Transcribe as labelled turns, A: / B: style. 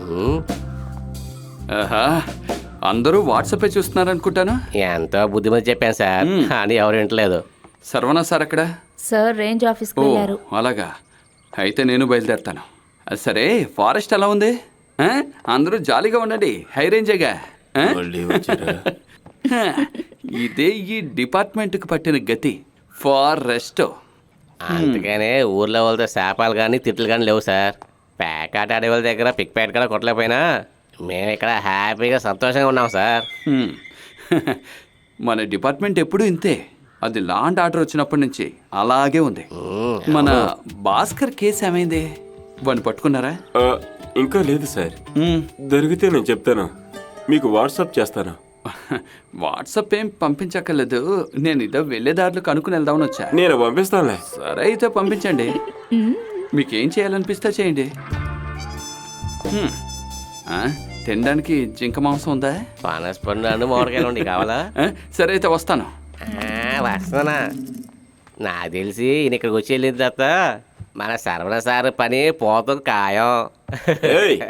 A: ఆహా, అందరూ వాట్సాపే చూస్తున్నారనుకుంటాను.
B: ఎంతో బుద్ధిమంది చెప్పాను సార్, అని ఎవరు వింటలేదు.
A: సర్వనా సార్ అక్కడ?
C: సార్ రేంజ్ ఆఫీస్కి
A: ఓ
C: వెళ్ళారు.
A: అలాగా, అయితే నేను బయలుదేరుతాను. సరే, ఫారెస్ట్ ఎలా ఉంది? అందరూ జాలీగా ఉండండి, హై రేంజేగా. ఇదే ఈ డిపార్ట్మెంట్కి పట్టిన గతి, ఫారెస్ట్.
B: అందుకనే ఊర్లో వాళ్ళతో శాపాలు కానీ తిట్లు కానీ లేవు సార్. పేకాట ఆడే వాళ్ళ దగ్గర పిక్ ప్యాట్ కూడా కొట్టలేకపోయినా మేము ఇక్కడ హ్యాపీగా సంతోషంగా ఉన్నాం సార్.
A: మన డిపార్ట్మెంట్ ఎప్పుడూ ఇంతే. అది లాండ్ ఆర్డర్ వచ్చినప్పటి నుంచి అలాగే ఉంది. మన భాస్కర్ కేసు ఏమైంది? వాడిని పట్టుకున్నారా?
D: ఇంకా లేదు సార్. దొరికితే నేను చెప్తాను, మీకు వాట్సాప్ చేస్తాను.
A: వాట్సాప్ ఏం పంపించక్కర్లేదు, నేను ఇదో వెళ్ళే దారిలో కనుక్కుని వెళ్దామని వచ్చా.
D: నేను పంపిస్తానులే.
A: సరే అయితే పంపించండి, మీకేం చేయాలనిపిస్తే చేయండి. తినడానికి జింక మాంసం ఉందా?
B: పనస్ పండు మామిడికాయలు ఉండి కావాలా?
A: సరే అయితే వస్తాను.
B: వస్తానా? నాకు తెలిసి ఈయన ఇక్కడికి వచ్చి వెళ్ళిన తర్వాత మన సర్వన సార్ పని పోతం ఖాయం.